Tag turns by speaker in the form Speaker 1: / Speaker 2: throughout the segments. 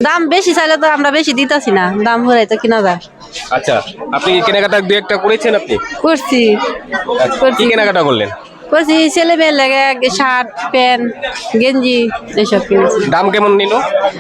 Speaker 1: দাম বেশি চাইলে তো আমরা বেশি দিতাছি না, দাম হলে তো কিনা যায়।
Speaker 2: আচ্ছা, আপনি কি কেনাকাটা দুই একটা করেছেন আপনি?
Speaker 1: করছি
Speaker 2: আচ্ছা, কি কেনাকাটা করলেন?
Speaker 1: করছি ছেলে মেয়ের লাগে শার্ট প্যান্ট গেঞ্জি এসব কিনেছি।
Speaker 2: দাম কেমন নিল?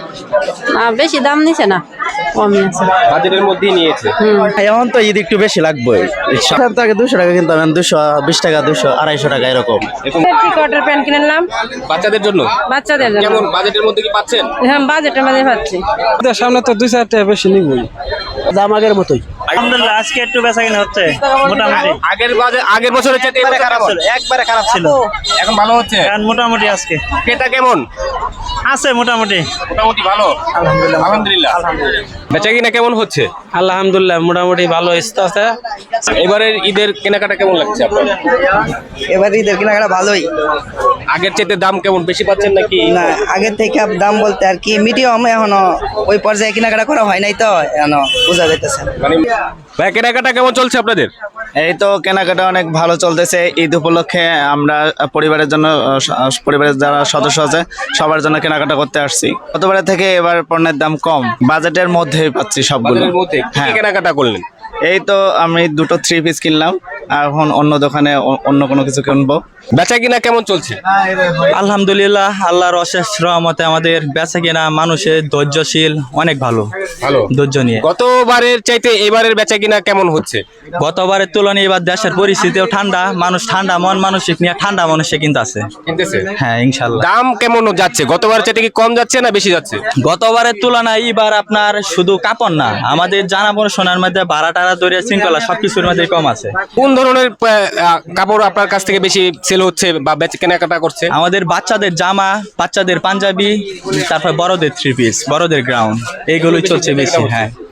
Speaker 1: বেশি দাম নিছে না, কমই আছে।
Speaker 2: বাজেটের মধ্যেই নিয়েছে।
Speaker 3: এখন তো ঈদ একটু বেশি লাগবে। আগে 200 টাকা কিন্তু 220 টাকা 200 250 টাকা এরকম।
Speaker 1: কটার প্যান্ট কিনলাম
Speaker 2: বাচ্চাদের জন্য?
Speaker 1: বাচ্চাদের জন্য।
Speaker 2: কেমন বাজেটের মধ্যে কি পাচ্ছেন?
Speaker 1: হ্যাঁ, বাজেটের মধ্যে পাচ্ছি।
Speaker 4: সামনে তো 2-4 টাকা বেশি নিবই,
Speaker 3: দাম আগের মতোই।
Speaker 5: আলহামদুলিল্লাহ আজকে একটু বেচাকেনা হচ্ছে মোটামুটি।
Speaker 2: আগের বছরের চাইতে এবার খারাপ ছিল,
Speaker 5: একবারে খারাপ ছিল,
Speaker 2: এখন ভালো হচ্ছে।
Speaker 5: কারণ মোটামুটি আজকে
Speaker 2: ক্রেতা কেমন?
Speaker 5: আছে মোটামুটি।
Speaker 2: মোটামুটি ভালো, আলহামদুলিল্লাহ। বেচা কিনা কেমন হচ্ছে?
Speaker 4: আলহামদুলিল্লাহ মোটামুটি ভালো আছে।
Speaker 2: এবারের ঈদের কেনাকাটা কেমন লাগছে আপনার?
Speaker 6: এবার ঈদের কেনাকাটা ভালোই।
Speaker 2: আগের চাইতে দাম কেমন, বেশি পাচ্ছেন নাকি?
Speaker 6: না, আগের থেকে দাম বলতে আর কি মিডিয়াম, এখনো ওই পর্যায়ে কেনাকাটা করা হয় নাই তো এখনো বোঝা যাইতেছে।
Speaker 2: মানে ভাই কেনাকাটা কেমন চলছে আপনাদের?
Speaker 3: এই তো কেনাকাটা অনেক ভালো চলতেছে। ঈদ উপলক্ষে আমরা পরিবারের জন্য পরিবারের যারা সদস্য আছে সবার জন্য কেনাকাটা করতে আসছি। গতবারের থেকে এবার পণ্যের দাম কম, বাজেটের মধ্যেই পাচ্ছি সবগুলো।
Speaker 2: বাজারের মধ্যে কি
Speaker 3: হ্যাঁ।
Speaker 2: কেনাকাটা করলেন?
Speaker 3: এই তো আমি 2টো 3 পিস কিনলাম, এখন অন্য দোকানে অন্য কোনো কিছু কিনবো।
Speaker 2: বেচা কিনা কেমন চলছে?
Speaker 5: আলহামদুলিল্লাহ আল্লাহর অশেষ রহমতে আমাদের বেচাকেনা মানুষের ধৈর্যশীল, অনেক ভালো
Speaker 2: ভালো
Speaker 5: ধৈর্য নিয়ে।
Speaker 2: গতবারের চাইতে এবারের বেচা কিনা কেমন হচ্ছে?
Speaker 5: গতবারের তুলনায় এবার দেশের পরিস্থিতিও ঠান্ডা, মানুষ ঠান্ডা মন মানসিক নিয়ে ঠান্ডা মানুষে কিন্তু আছে।
Speaker 2: কিনতেছে?
Speaker 5: হ্যাঁ ইনশাল্লাহ।
Speaker 2: দাম কেমন যাচ্ছে? গতবারের চাইতে কি কম যাচ্ছে না বেশি যাচ্ছে?
Speaker 5: গতবারের তুলনায় এবার আপনার শুধু কাপড় না, আমাদের জানা পড়াশোনার মধ্যে ভাড়া টাড়া দরিয়া শৃঙ্খলা সবকিছুর মধ্যে কম আছে।
Speaker 2: কোন ধরনের কাপড় আপনার কাছ থেকে বেশি সেল হচ্ছে বা বেচা কেনাকাটা করছে?
Speaker 5: আমাদের বাচ্চাদের জামা, বাচ্চাদের পাঞ্জাবি, তারপর বড়দের 3 পিস, বড়দের গ্রাউন্ড, এইগুলোই চলছে বেশি। হ্যাঁ।